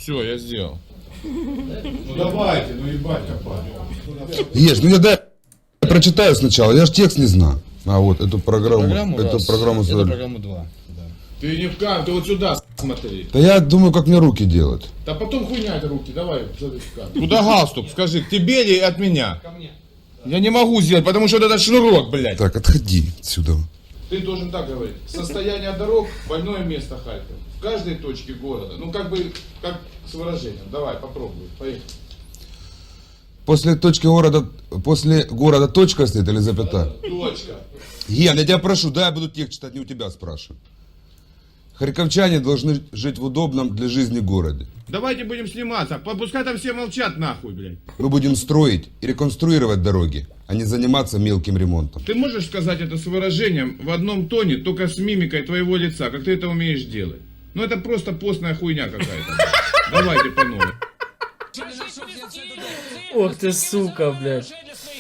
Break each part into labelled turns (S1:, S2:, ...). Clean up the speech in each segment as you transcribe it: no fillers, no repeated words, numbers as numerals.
S1: Все, я сделал.
S2: Ну давайте, ну ебать копать.
S3: Ешь, ну я дай прочитаю сначала, я же текст не знаю. А вот эту программу,
S1: Эту
S3: программу
S1: это
S3: создали.
S1: программу 2. Да.
S2: Ты не в кадр, ты вот сюда смотри.
S3: Да я думаю, как мне руки делать.
S2: Да потом хуйня это руки, давай, смотри в кадр.
S1: Куда галстук? Скажи, к тебе или от меня? Ко мне. Я не могу сделать, потому что вот этот шнурок, блядь.
S3: Так, отходи отсюда.
S2: Ты должен так говорить. Состояние дорог, больное место Харьков. В каждой точке города. Ну как бы, как с выражением. Давай, попробуй, поехали.
S3: После города точка стоит или запятая?
S2: Точка.
S3: Ген, я тебя прошу, да, я буду текст читать, не у тебя спрашиваю. Харьковчане должны жить в удобном для жизни городе.
S2: Давайте будем сниматься. Пускай там все молчат нахуй, блядь.
S3: Мы будем строить и реконструировать дороги, а не заниматься мелким ремонтом.
S2: Ты можешь сказать это с выражением в одном тоне, только с мимикой твоего лица, как ты это умеешь делать? Ну это просто постная хуйня какая-то. Давайте по новой.
S4: Ох ти сука, блядь.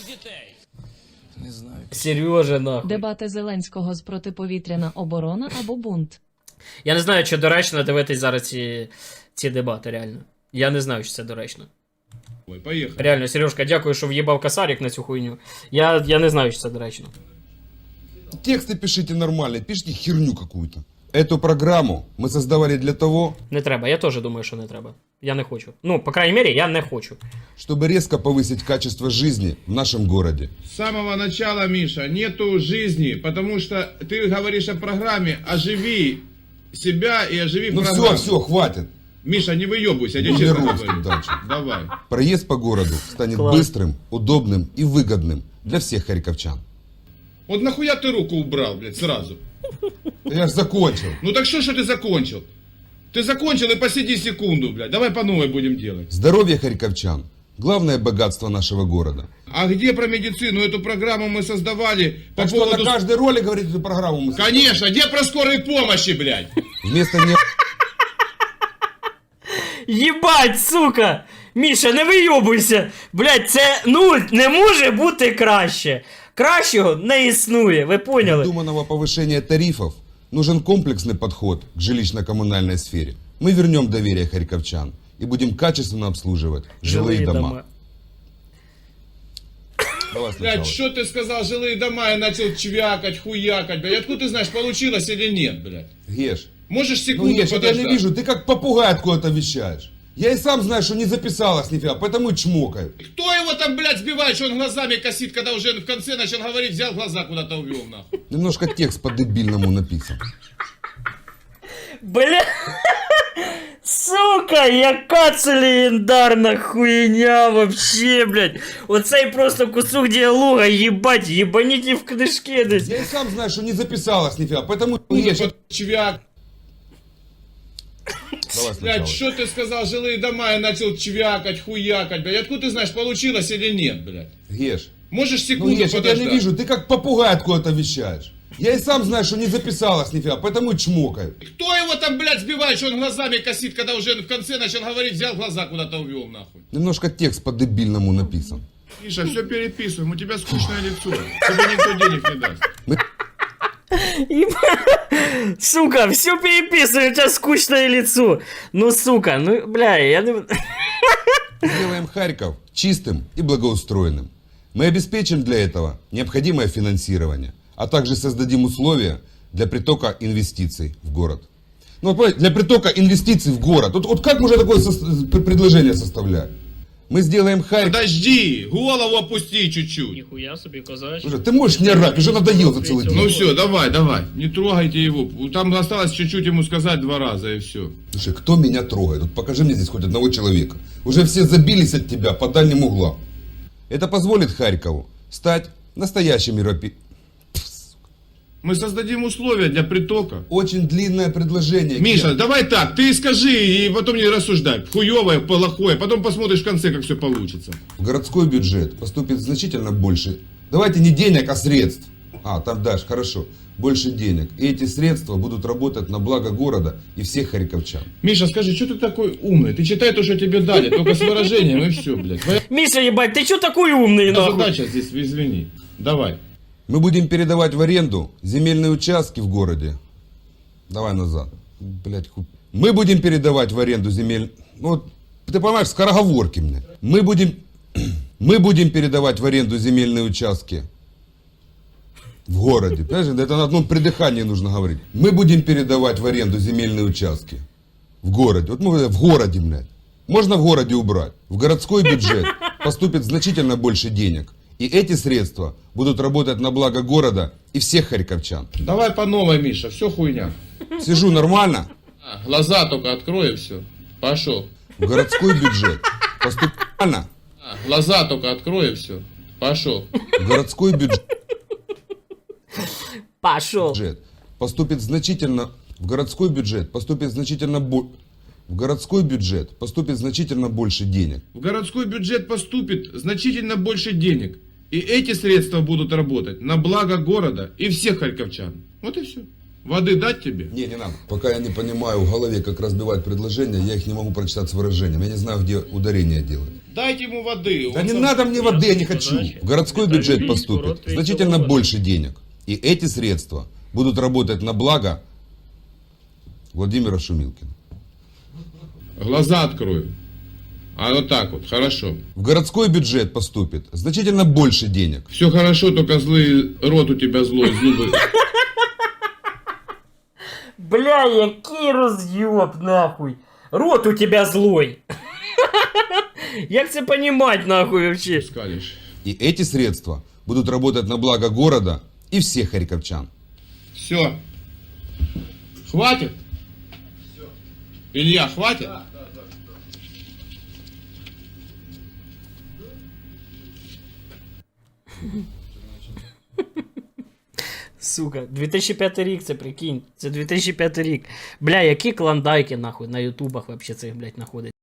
S1: Не знаю.
S4: Сережа, нахуй.
S5: Дебати Зеленського з протиповітряна оборона або бунт.
S4: Я не знаю, чи доречно дивитись зараз ці дебати, реально. Я не знаю, чи це доречно.
S2: Ой, поехали.
S4: Реально, Сережка, дякую, що в'їбав косарик на цю хуйню. Я не знаю, чи це доречно.
S3: Тексты пишите нормально, пишите херню какую-то. Эту программу мы создавали для того,
S4: Не треба, я теж думаю, що не треба. Я не хочу. Ну, по крайней мере, я не хочу.
S3: чтобы резко повысить качество жизни в нашем городе.
S2: С самого начала, Миша, нету жизни, потому что ты говоришь о программе, оживи себя и оживи
S3: Ну
S2: программу.
S3: все, хватит.
S2: Миша, не выебывайся, я тебе
S3: Не
S2: честно
S3: русский
S2: говорю.
S3: дальше.
S2: Давай.
S3: Проезд по городу станет
S4: Класс.
S3: быстрым, удобным и выгодным для всех харьковчан.
S2: Вот нахуя ты руку убрал, блядь, сразу?
S3: Я ж закончил.
S2: Ну так что ты закончил? Ты закончил и посиди секунду, блядь. Давай по новой будем делать.
S3: Здоровье харьковчан – главное богатство нашего города.
S2: А где про медицину? Эту программу мы создавали по
S3: Так что
S2: поводу...
S3: на каждой роли говорит эту программу мы создали.
S2: Конечно, где про скорой помощи, блядь?
S3: Вместо не...
S4: Єбать, сука! Міша, не вийобуйся! Блять, це, ну, не може бути краще. Кращого не існує, ви поняли?
S3: Думанного повышения тарифов нужен комплексный подход к жилищно-коммунальной сфере. Мы вернем доверие харьковчан и будем качественно обслуживать жилые дома. Давай сначала.
S2: Блядь, что ты сказал, жилые дома, я начал чвякать, хуякать, блядь. Откуда ты знаешь, получилось или нет, блядь?
S3: Геш,
S2: Можешь
S3: ну
S2: секунду
S3: Геш, я тебя
S2: подождать?
S3: не вижу, ты как попугай откуда-то вещаешь. Я и сам знаю, что не записалась нифига, поэтому и чмокаю.
S2: Кто его там, блядь, сбивает, что он глазами косит, когда уже в конце начал говорить, взял глаза куда-то увел, нахуй?
S3: Немножко текст по-дебильному написан.
S4: Бля. Сука, яка це легендарна хуйня вообще, блядь. Оцей просто кусок діалога, їбать, їбаніть в книжки десь.
S3: Я и сам знаю, что не записалась нифига, поэтому...
S2: Ну,
S3: Геш,
S2: чвяк.
S3: давай сначала.
S2: Блядь, что ты сказал, жилые дома, я начал чвякать, хуякать, блядь. Откуда ты знаешь, получилось или нет, блядь?
S3: Геш,
S2: Можешь
S3: ну
S2: секунду
S3: Геш, я тебя
S2: подождать?
S3: не вижу, ты как попугай откуда-то вещаешь. Я и сам знаю, что не записалась нифига, поэтому и чмокаю.
S2: Кто его там, блядь, сбивает, что он глазами косит, когда уже в конце начал говорить, взял глаза куда-то увел, нахуй?
S3: Немножко текст по-дебильному написан.
S2: Миша, все переписываем, у тебя скучное лицо. Тебе никто денег не даст.
S4: Сука, все переписываю, у тебя скучное лицо. Ну, сука, ну, бля, я не...
S3: Сделаем Харьков чистым и благоустроенным. Мы обеспечим для этого необходимое финансирование, а также создадим условия для притока инвестиций в город. Ну, вот, понимаете, для притока инвестиций в город. Вот как можно такое предложение составлять? Мы сделаем Харьков...
S2: Подожди, голову опусти чуть-чуть.
S4: Ніхуя собі, козач.
S3: Слушай, ты можешь не орать, уже надоел за целый день.
S2: Ну все, давай, давай, не трогайте его. Там осталось чуть-чуть ему сказать 2 раза и все.
S3: Слушай, кто меня трогает? Вот покажи мне здесь хоть одного человека. Уже все забились от тебя по дальним углам. Это позволит Харькову стать настоящим
S2: Мы создадим условия для притока.
S3: Очень длинное предложение.
S2: Миша,
S3: Ген.
S2: давай так, ты скажи и потом не рассуждай. Хуевое, плохое, потом посмотришь в конце, как все получится.
S3: В городской бюджет поступит значительно больше. Давайте не денег, а средств. А, там дальше, хорошо. Больше денег. И эти средства будут работать на благо города и всех харьковчан.
S2: Миша, скажи, что ты такой умный? Ты читай то, что тебе дали, только с выражением и все, блядь. Твоя
S4: Миша, ебать, ты чё такой умный, нахуй?
S2: задача здесь, извини. Давай.
S3: Мы будем передавать в аренду земельные участки в городе. Давай назад. Блять, Мы будем передавать в аренду Ну, вот, ты понимаешь, скороговорки мне. Мы будем передавать в аренду земельные участки в городе. Понимаешь, это на одном придыхании нужно говорить. Мы будем передавать в аренду земельные участки в городе. Вот мы в городе, блядь. Можно в городе убрать. В городской бюджет поступит значительно больше денег. И эти средства будут работать на благо города и всех харьковчан.
S2: Давай по новой, Миша, все хуйня.
S3: Сижу нормально.
S2: Глаза только открой и все. Пошел.
S3: В городской бюджет поступит нормально.
S2: Глаза только открой и все. Пошел.
S3: В городской
S4: Пошел.
S3: бюджет поступит значительно. В городской бюджет поступит значительно в городской бюджет поступит значительно больше денег.
S2: В городской бюджет поступит значительно больше денег. И эти средства будут работать на благо города и всех харьковчан. Вот и все. Воды дать тебе?
S3: Не надо. Пока я не понимаю в голове, как разбивать предложения, я их не могу прочитать с выражением. Я не знаю, где ударение делать.
S2: Дайте ему воды.
S3: Да не надо мне воды, я не хочу. В городской бюджет поступит значительно больше денег. И эти средства будут работать на благо Владимира Шумилкина.
S2: Глаза открой. А вот так вот, хорошо.
S3: В городской бюджет поступит значительно больше денег.
S2: Все хорошо, только злый рот у тебя злой, зубы.
S4: Бля, який роз'єб, нахуй. Рот у тебя злой. Як це понімать, нахуй, вообще?
S2: Скалишь.
S3: И эти средства будут работать на благо города и всех харьковчан.
S2: Все. Хватит? Илья, хватит?
S4: Сука, 2005 рік, це прикинь. Це 2005 рік. Бля, які клондайки, нахуй, на ютубах вообще цих, блядь, знаходять.